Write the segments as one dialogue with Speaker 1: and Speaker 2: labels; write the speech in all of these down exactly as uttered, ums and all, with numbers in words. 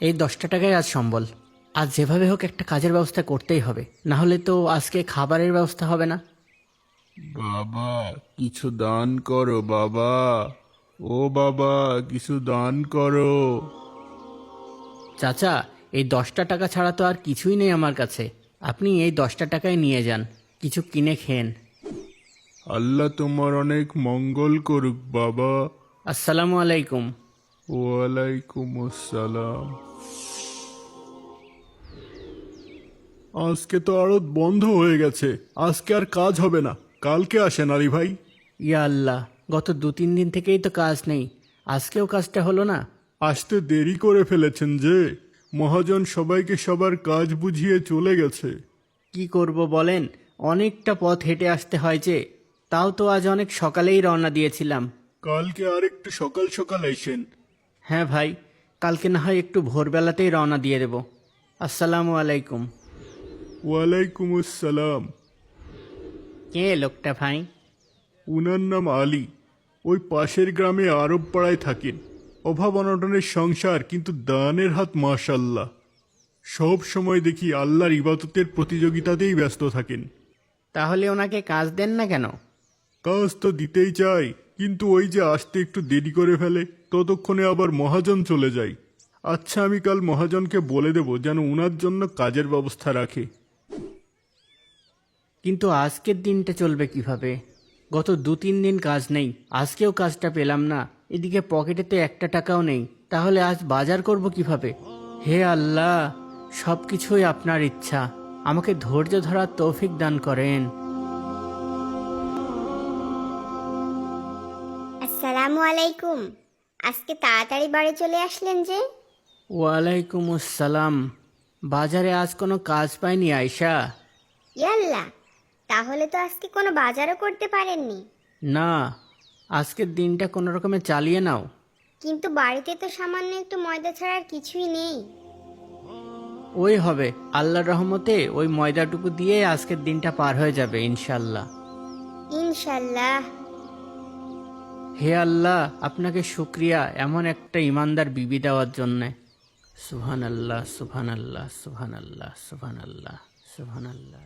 Speaker 1: এই দশটা টাকায় আজ সম্বল। আজ যেভাবে হোক একটা কাজের ব্যবস্থা করতেই হবে, না হলে তো আজকে খাবারের ব্যবস্থা হবে না।
Speaker 2: বাবা কিছু দান করো বাবা, ও বাবা কিছু দান করো।
Speaker 1: চাচা, এই দশটা টাকা ছাড়া তো আর কিছুই নেই আমার কাছে। আপনি এই দশটা টাকায় নিয়ে যান, কিছু কিনে খেন।
Speaker 2: আল্লাহ তোমার অনেক মঙ্গল করুক বাবা।
Speaker 1: আসসালামু আলাইকুম।
Speaker 2: ওয়ালাইকুম আসসালাম। আজকে তো আড়ত বন্ধ হয়ে গেছে, আজকে আর কাজ হবে না, কালকে আসেন আলী ভাই।
Speaker 1: ইয়া আল্লাহ, গত দু তিন দিন থেকেই তো কাজ নেই, আজকেও কাজটা হলো না।
Speaker 2: আসতে দেরি করে ফেলেছেন যে, মহাজন সবাইকে সবার কাজ বুঝিয়ে চলে গেছে।
Speaker 1: কি করব বলেন, অনেকটা পথ হেঁটে আসতে হয় যে। তাও তো আজ অনেক সকালেই রওনা দিয়েছিলাম।
Speaker 2: কালকে আর একটু সকাল সকাল আইসেন।
Speaker 1: হ্যাঁ ভাই, কালকে না হয় একটু ভোরবেলাতেই রওনা দিয়ে দেব। আসসালামু আলাইকুম।
Speaker 2: ওয়ালাইকুম আসসালাম।
Speaker 1: কে লোকটা ভাই?
Speaker 2: উনার নাম আলী, ওই পাশের গ্রামে আরব পাড়ায় থাকেন। অভাব অনটনের সংসার, কিন্তু দানের হাত মাশাল্লাহ। সব সময় দেখি আল্লাহর ইবাদতের প্রতিযোগিতাতেই ব্যস্ত থাকেন।
Speaker 1: তাহলে ওনাকে কাজ দেন না কেন?
Speaker 2: কাজ তো দিতেই চাই, কিন্তু ওই যে আসতে একটু দেরি করে ফেলে, ততক্ষণে আবার মহাজন চলে যায়। আচ্ছা, আমি কাল মহাজনকে বলে দেব যেন উনার জন্য কাজের ব্যবস্থা রাখে।
Speaker 1: কিন্তু আজকের দিনটা চলবে কিভাবে? গত দু তিন দিন কাজ নেই, আজকেও কাজটা পেলাম না। এদিকে পকেটে তো একটা টাকাও নেই, তাহলে আজ বাজার করব কিভাবে? হে আল্লাহ, সব কিছুই আপনার ইচ্ছা, আমাকে ধৈর্য ধরার তৌফিক দান করেন।
Speaker 3: আসসালামু আলাইকুম। আজকে তাড়াতাড়ি বাড়ি চলে আসলেন যে?
Speaker 1: ওয়ালাইকুম আসসালাম। বাজারে আজ কোনো কাজ পাইনি আয়শা।
Speaker 3: ইয়াল্লা, তাহলে তো আজকে কোনো বাজারও করতে পারেননি।
Speaker 1: না, আজকের দিনটা কোনো রকমে চালিয়ে নাও।
Speaker 3: কিন্তু বাড়িতে তো সামান্য একটু ময়দা ছাড়া আর কিছুই নেই।
Speaker 1: ওই হবে, আল্লাহর রহমতে ওই ময়দাটুকু দিয়ে আজকের দিনটা পার হয়ে যাবে ইনশাল্লাহ।
Speaker 3: ইনশাল্লাহ।
Speaker 1: হে আল্লাহ, আপনাকে শুক্রিয়া এমন একটা ইমানদার বিবি দেওয়ার জন্যে। সুবহান আল্লাহ, সুবহান আল্লাহ, সুবহান আল্লাহ, সুবহান আল্লাহ, সুবহান আল্লাহ।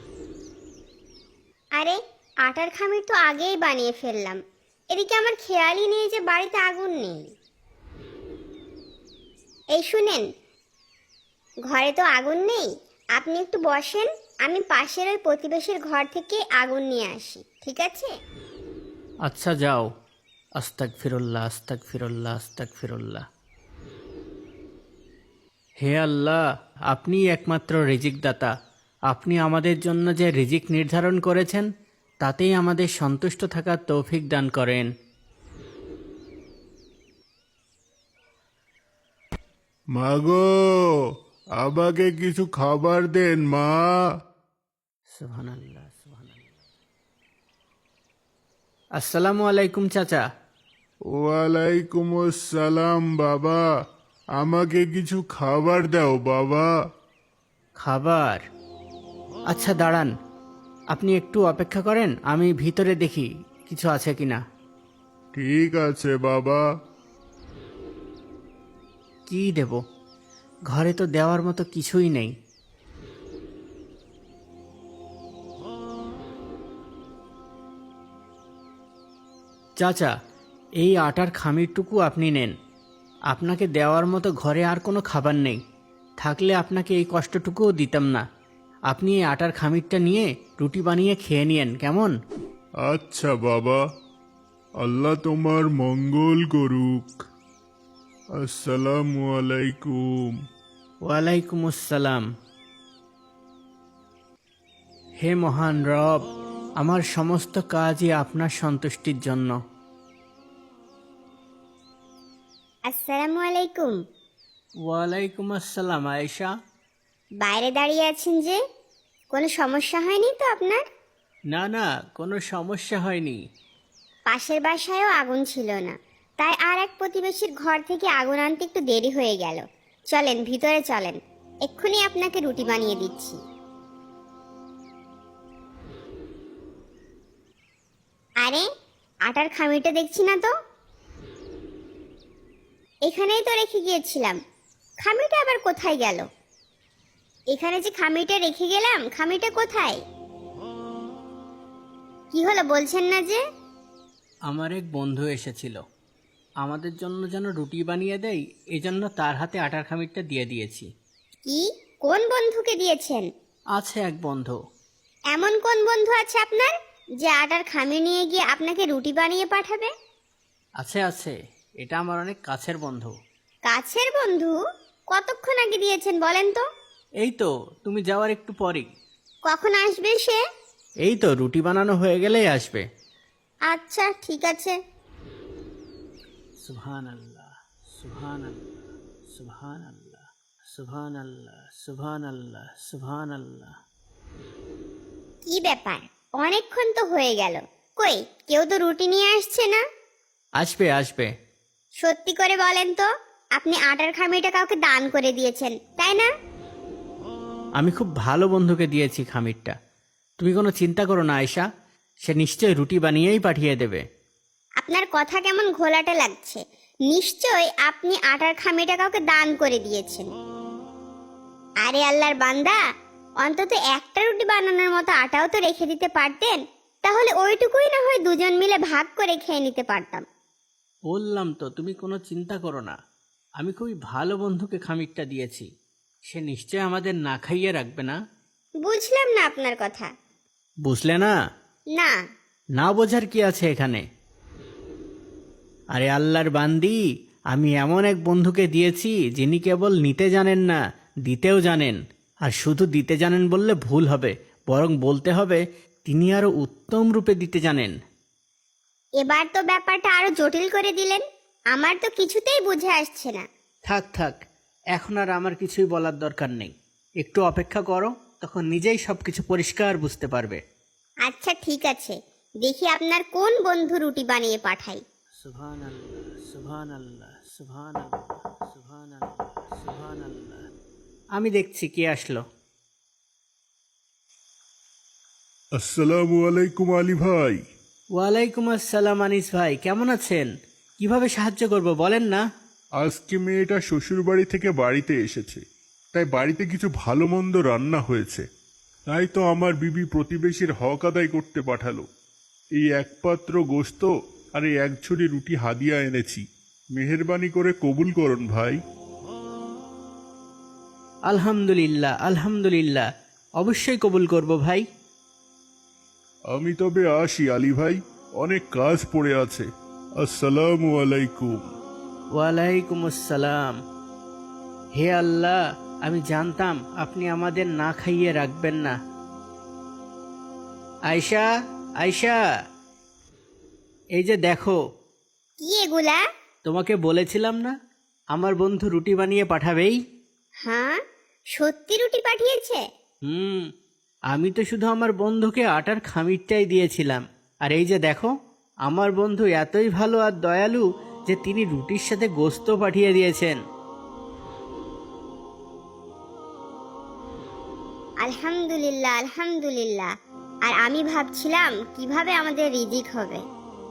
Speaker 3: আরে, আটার খামির তো আগেই বানিয়ে ফেললাম। এদিকে আমার খেয়ালই নেই যে বাড়িতে আগুন নেই। এই শুনেন, ঘরে তো আগুন নেই, আপনি একটু বসেন, আমি পাশের ওই প্রতিবেশীর ঘর থেকে আগুন নিয়ে আসি, ঠিক আছে?
Speaker 1: আচ্ছা যাও। আস্তাক ফিরুল্লাহ, আস্তাক ফিরুল্লাহ, আস্তাক ফিরুল্লাহ। হে আল্লাহ, আপনিই একমাত্র রিজিক দাতা। আপনি আমাদের জন্য যে রিজিক নির্ধারণ করেছেন, তাতেই আমাদের সন্তুষ্ট থাকার তৌফিক দান করেন।
Speaker 2: মাগো, আমাকে কিছু খাবার দেন মা।
Speaker 1: সুবহানাল্লাহ, সুবহানাল্লাহ। আসসালামু আলাইকুম চাচা।
Speaker 2: ওয়ালাইকুম আসসালাম বাবা, আমাকে কিছু খাবার দাও বাবা।
Speaker 1: খাবার? আচ্ছা দাঁড়ান, আপনি একটু অপেক্ষা করেন, আমি ভিতরে দেখি কিছু আছে কিনা।
Speaker 2: ঠিক আছে বাবা।
Speaker 1: কি দেব? ঘরে তো দেওয়ার মতো কিছুই নেই। চাচা, এই আটার খামিরটুকু আপনি নেন। আপনাকে দেওয়ার মতো ঘরে আর কোনো খাবার নেই, থাকলে আপনাকে এই কষ্টটুকুও দিতাম না। আপনি এই আটার খামিরটা নিয়ে রুটি বানিয়ে খেয়ে নিয়েন, কেমন?
Speaker 2: আচ্ছা বাবা, আল্লাহ তোমার মঙ্গল করুক। আসসালামু আলাইকুম।
Speaker 1: ওয়ালাইকুম আসসালাম। হে মহান রব, আমার সমস্ত কাজই আপনার সন্তুষ্টির জন্য।
Speaker 3: আসসালামু আলাইকুম।
Speaker 1: ওয়ালাইকুম আসসালাম আয়েশা।
Speaker 3: বাইরে দাঁড়িয়ে আছেন যে, কোনো সমস্যা হয়নি তো আপনার?
Speaker 1: না না, কোনো সমস্যা হয়নি।
Speaker 3: পাশের বাসায়ও আগুন ছিল না, তাই আর এক প্রতিবেশীর ঘর থেকে আগুন আনতে একটু দেরি হয়ে গেল। চলেন ভিতরে চলেন, এক্ষুনি আপনাকে রুটি বানিয়ে দিচ্ছি। আরে, আটার খামিরটা দেখছি না তো। এখানেই তো রেখে গিয়েছিলাম, খামিটা আবার কোথায় গেল? এখানে যে খামিটা রেখে গেলাম, খামিটা কোথায়? কি হলো বলছেন না যে?
Speaker 1: আমার এক বন্ধু এসেছিল, আমাদের জন্য যেন রুটি বানিয়ে দেয়, এজন্য তার হাতে আটার খামিরটা দিয়ে দিয়েছি।
Speaker 3: কি? কোন বন্ধুকে দিয়েছেন?
Speaker 1: আছে এক বন্ধু।
Speaker 3: এমন কোন বন্ধু আছে আপনার যে আটার খামি নিয়ে গিয়ে আপনাকে রুটি বানিয়ে পাঠাবে?
Speaker 1: আছে আছে, এটা আমার অনেক কাছের বন্ধু।
Speaker 3: কাছের বন্ধু? কতক্ষণ আগে দিয়েছেন বলেন তো?
Speaker 1: এই তো তুমি যাওয়ার একটু পরেই।
Speaker 3: কখন আসবে সে?
Speaker 1: এই তো রুটি বানানো হয়ে গেলেই আসবে।
Speaker 3: আচ্ছা ঠিক আছে।
Speaker 1: সুবহান আল্লাহ, সুবহান আল্লাহ, সুবহান আল্লাহ, সুবহান আল্লাহ, সুবহান আল্লাহ, সুবহান আল্লাহ।
Speaker 3: কি ব্যাপার, অনেকক্ষণ তো হয়ে গেল, কই কেউ তো রুটি নিয়ে আসছে না?
Speaker 1: আসবে আসবে।
Speaker 3: সত্যি করে বলেন তো, আপনি আটার খামিটা কাউকে দান করে দিয়েছেন তাই না?
Speaker 1: আমি খুব ভালো বন্ধুকে দিয়েছি খামিরটা, তুমি কোনো চিন্তা করো না আয়শা, সে নিশ্চয়ই রুটি বানিয়েই পাঠিয়ে দেবে।
Speaker 3: আপনার কথা কেমন ঘোলাটে লাগছে। নিশ্চয় আপনি আটার খামিটা কাউকে দান করে দিয়েছেন। আরে আল্লাহর বান্দা, অন্তত একটা রুটি বানানোর মতো আটাও তো রেখে দিতে পারতেন, তাহলে ওইটুকুই না হয় দুজন মিলে ভাগ করে খেয়ে নিতে পারতাম।
Speaker 1: বললাম তো তুমি কোনো চিন্তা করো না, আমি খুবই ভালো বন্ধুকে খামিরটা দিয়েছি, সে নিশ্চয় আমাদের না খাইয়ে রাখবে না।
Speaker 3: বুঝলাম না আপনার কথা।
Speaker 1: বুঝলে না?
Speaker 3: না।
Speaker 1: না বোঝার কি আছে এখানে? আরে আল্লাহর বান্দি, আমি এমন এক বন্ধুকে দিয়েছি যিনি কেবল নিতে জানেন না, দিতেও জানেন। আর শুধু দিতে জানেন বললে ভুল হবে, বরং বলতে হবে তিনি আরো উত্তম রূপে দিতে জানেন।
Speaker 3: এবার তো ব্যাপারটা আরো জটিল করে দিলেন, আমার তো কিছুতেই বুঝে আসছে না।
Speaker 1: থাক থাক, এখন আর আমার কিছুই বলার দরকার নেই, একটু অপেক্ষা করো, তখন নিজেই সব কিছু পরিষ্কার বুঝতে পারবে।
Speaker 3: আচ্ছা ঠিক আছে, দেখি আপনার কোন বন্ধু রুটি বানিয়ে পাঠাই।
Speaker 1: সুবহান আল্লাহ, সুবহান আল্লাহ, সুবহান আল্লাহ, সুবহান আল্লাহ, সুবহান আল্লাহ। আমি দেখছি কে আসলো।
Speaker 2: আসসালামু আলাইকুম আলী ভাই।
Speaker 1: ওয়ালাইকুম আসসালাম আনিস ভাই, কেমন আছেন? কিভাবে সাহায্য করব বলেন না?
Speaker 2: আজকে মেয়েটা শ্বশুর বাড়ি থেকে বাড়িতে এসেছে, তাই বাড়িতে কিছু ভালো মন্দ রান্না হয়েছে, তাই তো আমার বিবি প্রতিবেশীর হক আদায় করতে পাঠালো। এই এক পাত্র গোশত আর এই এক ঝুড়ি রুটি হাদিয়া এনেছি, মেহেরবানি করে কবুল করুন ভাই।
Speaker 1: আলহামদুলিল্লাহ আলহামদুলিল্লাহ, অবশ্যই কবুল করব ভাই।
Speaker 2: আমি তবে আসি আলী ভাই, অনেক কাজ পড়ে আছে। আসসালামু আলাইকুম।
Speaker 1: ওয়ালাইকুম আসসালাম। হে আল্লাহ, আমি জানতাম আপনি আমাদের না খাইয়ে রাখবেন না। আয়শা, আয়শা, এই যে দেখো।
Speaker 3: কি এগুলা?
Speaker 1: তোমাকে বলেছিলাম না আমার বন্ধু রুটি বানিয়ে পাঠাবেই?
Speaker 3: হ্যাঁ, সত্যি রুটি পাঠিয়েছে?
Speaker 1: হুম, আমি তো শুধু আমার বন্ধুকে আটার খামিরটাই দিয়েছিলাম, আর এই যে দেখো, আমার বন্ধু এতই ভালো আর দয়ালু যে তিনি রুটির সাথে গোশত পাঠিয়ে দিয়েছেন।
Speaker 3: আলহামদুলিল্লাহ আলহামদুলিল্লাহ। আর আমি ভাবছিলাম কিভাবে আমাদের রিজিক হবে।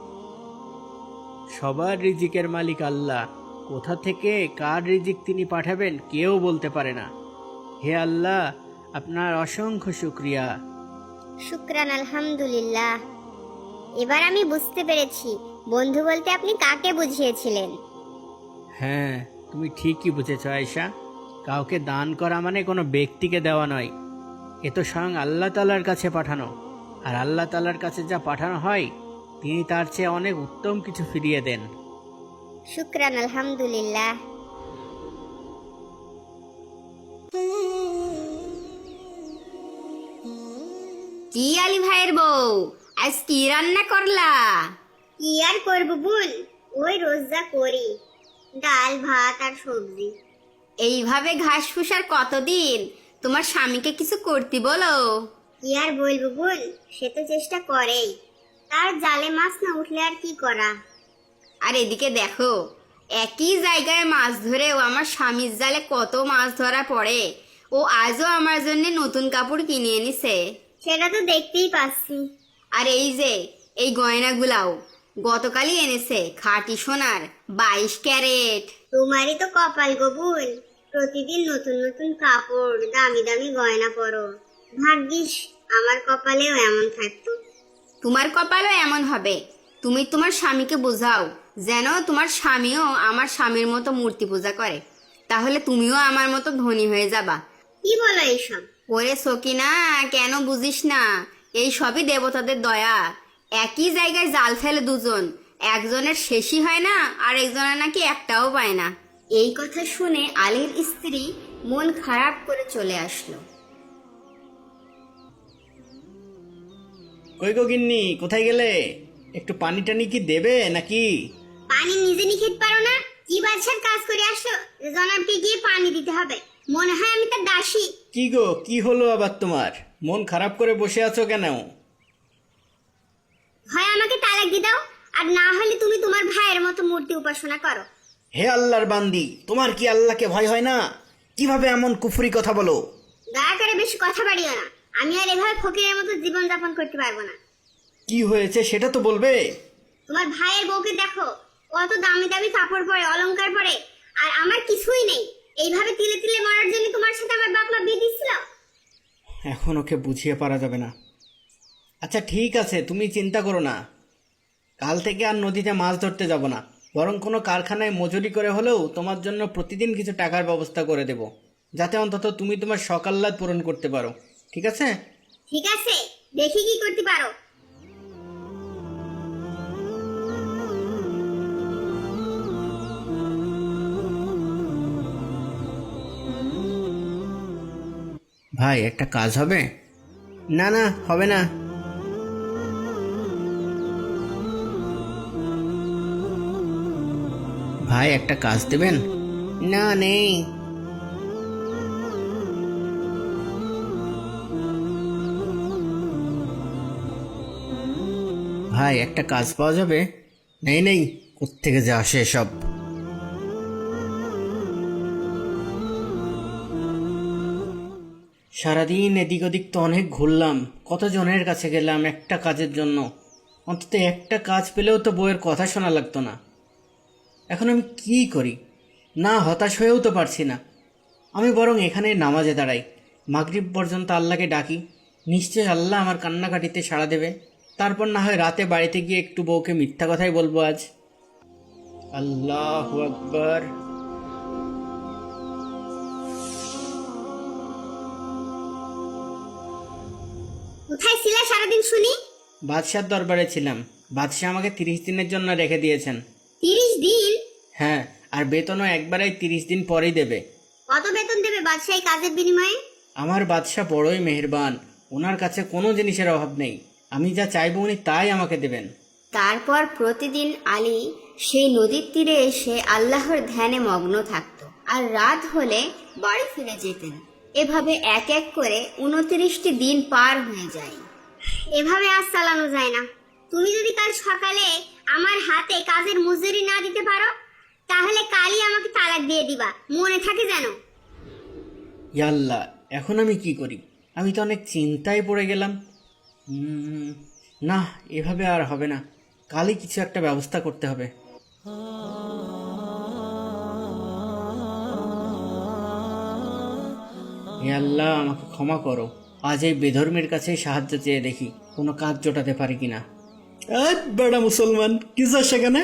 Speaker 1: সবার রিজিকের মালিক আল্লাহ, কোথা থেকে কার রিজিক তিনি পাঠাবেন কেউ বলতে পারে না। হে আল্লাহ, আপনার অসংখ্য শুকরিয়া।
Speaker 3: শুকরান আলহামদুলিল্লাহ। এবার আমি বুঝতে পেরেছি বন্ধু বলতে আপনি কাকে বুঝিয়েছিলেন।
Speaker 1: হ্যাঁ, তুমি ঠিকই বুঝেছ আয়েশা, কাউকে দান করা মানে কোনো ব্যক্তিকে দেওয়া নয়, এ তো স্বয়ং আল্লাহ তাআলার কাছে পাঠানো, আর আল্লাহ তাআলার কাছে যা পাঠানো হয় তিনি তার চেয়ে অনেক উত্তম কিছু ফিরিয়ে দেন।
Speaker 3: শুকরান আলহামদুলিল্লাহ।
Speaker 4: কি আলী ভাইয়ের বউ, আজ কি রান্না করলা?
Speaker 3: কি আর করবো বোন, ওই রোজ যা করি, ডাল ভাত আর সবজি।
Speaker 4: এইভাবে ঘাস ফুসার কতদিন? তোমার স্বামীকে কিছু করতে বলো।
Speaker 3: কি আর বলবো বোন, সে তো চেষ্টা করেই, তার জালে মাছ না উঠলে আর কি করা।
Speaker 4: আর এদিকে দেখো, একই জায়গায় মাছ ধরেও আমার স্বামীর জালে কত মাছ ধরা পড়ে। ও আজও আমার জন্য নতুন কাপড় কিনে এনেছে।
Speaker 3: সেটা তো দেখতেই পাচ্ছি।
Speaker 4: আর এই যে এই গয়নাগুলাও গতকালই এনেছে, খাঁটি সোনার বাইশ ক্যারেট।
Speaker 3: তোমারই তো কপাল গো বোন, প্রতিদিন নতুন নতুন কাপড়, দামি দামি গয়না পরো। ভাগ্যিস আমার কপালেও এমন থাকতো।
Speaker 4: তোমার কপালও এমন হবে। তুমি তোমার স্বামীকে বোঝাও যেন তোমার স্বামীও আমার স্বামীর মতো মূর্তি পূজা করে, তাহলে তুমিও আমার মতো ধনী হয়ে যাবা।
Speaker 3: কি বলো এইসব?
Speaker 4: ওরে সকিনা, কেন বুঝিস না? এই সবই দেবতাদের দয়া। একই জায়গায় জাল ফেলে দুজন, একজনের শেষই হয় না আর একজনের নাকি একটাও পায় না। এই কথা শুনে আলীর স্ত্রী মন খারাপ করে চলে আসলো।
Speaker 1: কই গো গিন্নি, কোথায় গেলে? একটু পানি টানি কি দেবে নাকি?
Speaker 3: পানি নিজে নিয়ে খেতে পারো না? কি বাদশার কাজ করে আসো যে জনাবকে গিয়ে পানি দিতে হবে? মনে হয় আমি তার দাসী।
Speaker 1: কি গো, কি হলো আবার তোমার? মন খারাপ করে বসে আছো কেন?
Speaker 3: হয় আমাকে তালাক দিয়ে দাও, আর না হলে তুমি তোমার ভাইয়ের মতো মূর্তি উপাসনা করো।
Speaker 1: হে আল্লাহর বান্দি, তোমার কি আল্লাহকে ভয় হয় না? কিভাবে এমন কুফরি কথা বলো?
Speaker 3: দয়া করে বেশি কথা বাড়িও না। আমি আর এভাবে ফকিরের মতো জীবন যাপন করতে পারবো না।
Speaker 1: কি হয়েছে সেটা তো বলবে।
Speaker 3: তোমার ভাইয়ের বউকে দেখো, কত দামি দামি কাপড় পরে, অলংকার পরে, আর আমার কিছুই নেই। এইভাবে তিলে তিলে মরার জন্য তোমার সাথে আমার বাপ মা বিয়ে দিছিল।
Speaker 1: এখন ওকে বুঝিয়ে পারা যাবে না। আচ্ছা ঠিক আছে, তুমি চিন্তা করো না। কাল থেকে আর নদীতে মাছ ধরতে যাব না, বরং কোনো কারখানায় মজুরি করে হলেও তোমার জন্য প্রতিদিন কিছু টাকার ব্যবস্থা করে দেব, যাতে অন্তত তুমি তোমার সকাল্লাদ পূরণ করতে পারো। ঠিক আছে?
Speaker 3: ঠিক আছে, দেখি কি করতে পারো।
Speaker 1: ভাই, একটা কাজ হবে? না না, হবে না। ভাই, একটা কাজ দেবেন? না, নেই। ভাই, একটা কাজ পাওয়া যাবে? নেই নেই, কোত্থেকে যে আসে সব। সারাদিন এদিক ওদিক তো অনেক ঘুরলাম, কতজনের কাছে গেলাম একটা কাজের জন্য। অন্তত একটা কাজ পেলেও তো বউয়ের কথা শোনা লাগতো না। এখন আমি কি করি? না, হতাশ হয়েও তো পারছি না। আমি বরং এখানে নামাজে দাঁড়াই, মাগরিব পর্যন্ত আল্লাহকে ডাকি। নিশ্চয় আল্লাহ আমার কান্নাকাটিতে সাড়া দেবে। তারপর না হয় রাতে বাড়িতে গিয়ে একটু বউকে মিথ্যা কথাই বলবো আজ। আল্লাহু আকবার।
Speaker 3: কোথায় ছিলে সারাদিন শুনি?
Speaker 1: বাদশার দরবারে ছিলাম। বাদশাহ আমাকে তিরিশ দিনের জন্য রেখে দিয়েছেন।
Speaker 3: তিরিশ দিন?
Speaker 1: হ্যাঁ, আর বেতনও একবারেই তিরিশ দিন পরেই দেবে।
Speaker 3: কত বেতন দেবে বাদশাহ এই কাজের বিনিময়ে?
Speaker 1: আমার বাদশাহ বড়ই মেহেরবান, ওনার কাছে কোনো জিনিসের অভাব নেই। আমি যা চাইবো উনি তাই আমাকে দেবেন।
Speaker 4: তারপর প্রতিদিন আলী সেই নদীর তীরে এসে আল্লাহর ধ্যানে মগ্ন থাকত, আর রাত হলে বাড়ি ফিরে যেতেন। এভাবে এক এক করে উনত্রিশটি দিন পার হয়ে যায়।
Speaker 3: এভাবে আজ চালানো যায় না। তুমি যদি কাল সকালে আমার হাতে কাজের মজুরি না দিতে পারো, তাহলে কালই আমাকে তালাক দিয়ে দিবা, মনে থাকে যেন।
Speaker 1: ইয়াল্লাহ, এখন আমি কি করি? আমি তো অনেক চিন্তায় পড়ে গেলাম। উম, না, এভাবে আর হবে না। কালই কিছু একটা ব্যবস্থা করতে হবে। হে আল্লাহ, আমাকে ক্ষমা করো। আজ এই বেধর্মের কাছে সাহায্য চেয়ে দেখি কোনো কাজ জোটাতে পারি কিনা। বেড়া মুসলমান, কি যা সেখানে?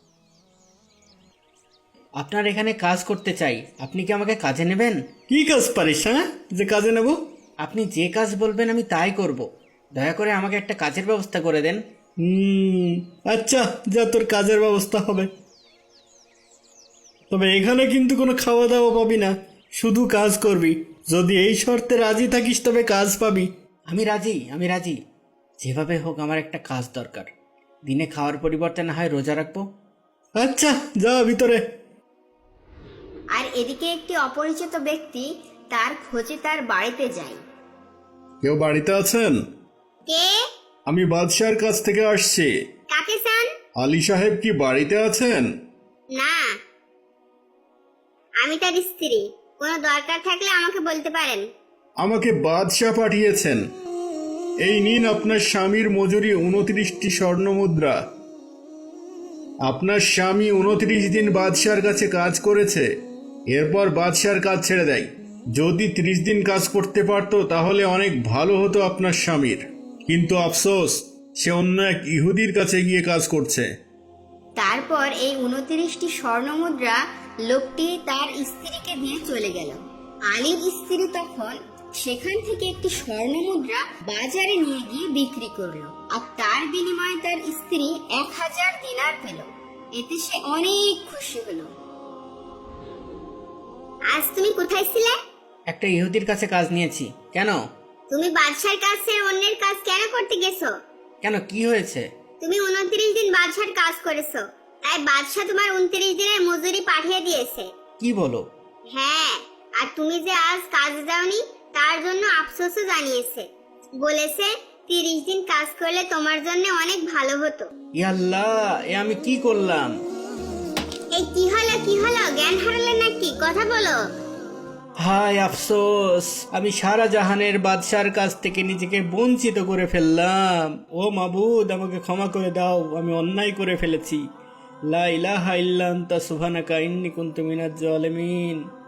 Speaker 1: আপনার এখানে কাজ করতে চাই, আপনি কি আমাকে কাজে নেবেন? কি কাজ পারিস, হ্যাঁ, যে কাজে নেব? আপনি যে কাজ বলবেন আমি তাই করব। দয়া করে আমাকে একটা কাজের ব্যবস্থা করে দেন। হুম, আচ্ছা, যা, তোর কাজের ব্যবস্থা হবে। তবে এখানে কিন্তু কোনো খাওয়া দাওয়া পাবি না, শুধু কাজ করবি। যদি এই শর্তে রাজি থাকিস তবে কাজ পাবি। আমি রাজি, আমি রাজি। যেভাবে হোক আমার একটা কাজ দরকার। দিনে খাওয়ার পরিবর্তে না হয় রোজা রাখবো। আচ্ছা, যা ভিতরে।
Speaker 4: আর এদিকে একটি অপরিচিত ব্যক্তি তার খোঁজে তার বাড়িতে যায়।
Speaker 2: কেউ বাড়িতে আছেন?
Speaker 3: কে?
Speaker 2: আমি বাদশার কাছ থেকে আসছি।
Speaker 3: কাকে চান?
Speaker 2: আলী সাহেব কি বাড়িতে আছেন?
Speaker 3: না, আমি তার স্ত্রী। কোনো দরকার থাকলে আমাকে বলতে পারেন।
Speaker 2: আমাকে বাদশাহ পাঠিয়েছেন। এই নিন আপনার স্বামীর মজুরি উনত্রিশটি স্বর্ণ মুদ্রা। আপনার স্বামী উনত্রিশ দিন বাদশার কাছে কাজ করেছে, এরপর বাদশার কাজ ছেড়ে দেয়। যদি ত্রিশ দিন কাজ করতে পারতো তাহলে অনেক ভালো হতো আপনার স্বামীর, কিন্তু আফসোস সে অন্য এক ইহুদির কাছে গিয়ে কাজ করছে।
Speaker 4: তারপর এই উনত্রিশটি স্বর্ণ মুদ্রা লোকটি তার স্ত্রীকে দিয়ে চলে গেল। আলীর স্ত্রী তখন সেখান থেকে একটি স্বর্ণ মুদ্রা বাজারে নিয়ে গিয়ে বিক্রি করলো, আর তার বিনিময়ে তার স্ত্রী এক হাজার দিনার পেল। এতে সে অনেক খুশি হলো।
Speaker 3: আজ তুমি কোথায় ছিলে?
Speaker 1: একটা ইহুদির কাছে কাজ নিয়েছি। কেন?
Speaker 3: তুমি বাদশার কাজ ছেড়ে অন্যের কাজ কেন করতে গেছো?
Speaker 1: কেন, কি হয়েছে?
Speaker 3: তুমি উনত্রিশ দিন বাদশার কাজ করেছো, তাই বাদশা তোমার উনত্রিশ দিনের মজুরি পাঠিয়ে দিয়েছে।
Speaker 1: কি বলো?
Speaker 3: হ্যাঁ, আর তুমি যে আজ কাজে যাওনি তার জন্য আফসোসও জানিয়েছে। বলেছে তিরিশ দিন কাজ করলে তোমার জন্য অনেক ভালো হতো।
Speaker 1: ইয়াল্লাহ, এ আমি কি করলাম?
Speaker 3: এই কি হলো কি হলো, জ্ঞান হারালে নাকি? কথা বলো।
Speaker 1: হায় আফসোস, আমি সারা জাহানের বাদশার কাছ থেকে নিজেকে বঞ্চিত করে ফেললাম। ও মাবুদ, আমাকে ক্ষমা করে দাও, আমি অন্যায় করে ফেলেছি। লা ইলাহা ইল্লা আনতা সুবহানাকা ইন্নী কুনতু মিনাজ জালিমিন।